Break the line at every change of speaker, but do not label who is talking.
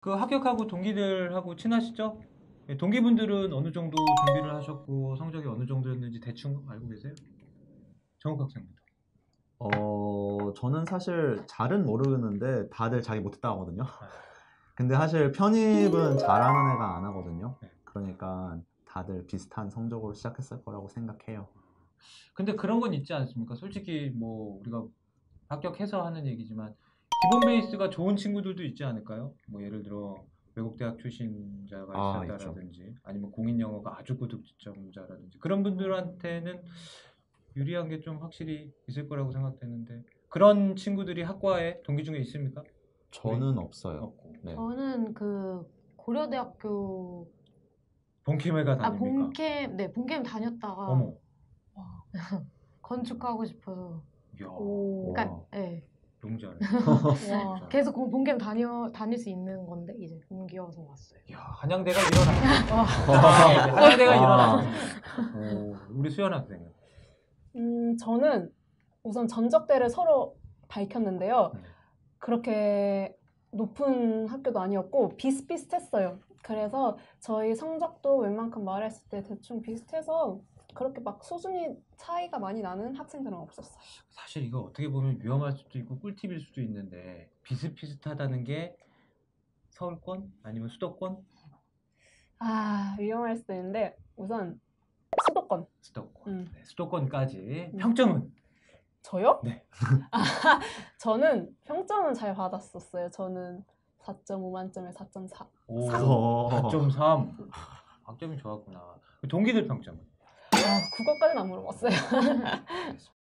그 합격하고 동기들하고 친하시죠? 예, 동기분들은 어느 정도 준비를 하셨고 성적이 어느 정도였는지 대충 알고 계세요? 정욱 학생부터.
저는 사실 잘은 모르겠는데 다들 자기 못했다고 하거든요. 근데 사실 편입은 잘하는 애가 안 하거든요.
네.
그러니까 다들 비슷한 성적으로 시작했을 거라고 생각해요.
근데 그런 건 있지 않습니까? 솔직히 뭐 우리가 합격해서 하는 얘기지만 기본 베이스가 좋은 친구들도 있지 않을까요? 뭐 예를 들어 외국 대학 출신자가
아,
있었다라든지 아니면 공인 영어가 아주 고득 지점자라든지 그런 분들한테는 유리한 게 좀 확실히 있을 거라고 생각되는데 그런 친구들이 학과에 동기 중에 있습니까?
저는 없어요.
없고
네.
저는 그 고려대학교
본캠회가 다닙니까?
본캠 다녔다가
어머,
와, 건축하고 싶어서
이야,
그러니까
와.
네,
용자네.
와.
계속 본캠 다닐 수 있는 건데 이제 옮겨서 왔어요.
이야, 한양대가 일어나. 한양대가 일어나. 우리 수연 학생은.
저는 우선 전적대를 서로 밝혔는데요.
네.
그렇게 높은 학교도 아니었고 비슷비슷했어요. 그래서 저희 성적도 웬만큼 말했을 때 대충 비슷해서 그렇게 막 수준이 차이가 많이 나는 학생들은 없었어요.
사실 이거 어떻게 보면 위험할 수도 있고 꿀팁일 수도 있는데 비슷비슷하다는 게 서울권 아니면 수도권?
위험할 수도 있는데 우선 수도권.
수도권. 네, 수도권까지.
음.
평점은?
저요?
네.
저는 평점은 잘 받았었어요. 저는 4.5 만점에 4.4.
오,
오.
4.3. 학점이 좋았구나. 동기들 평점은?
국어까지는 안 물어봤어요.
알겠습니다.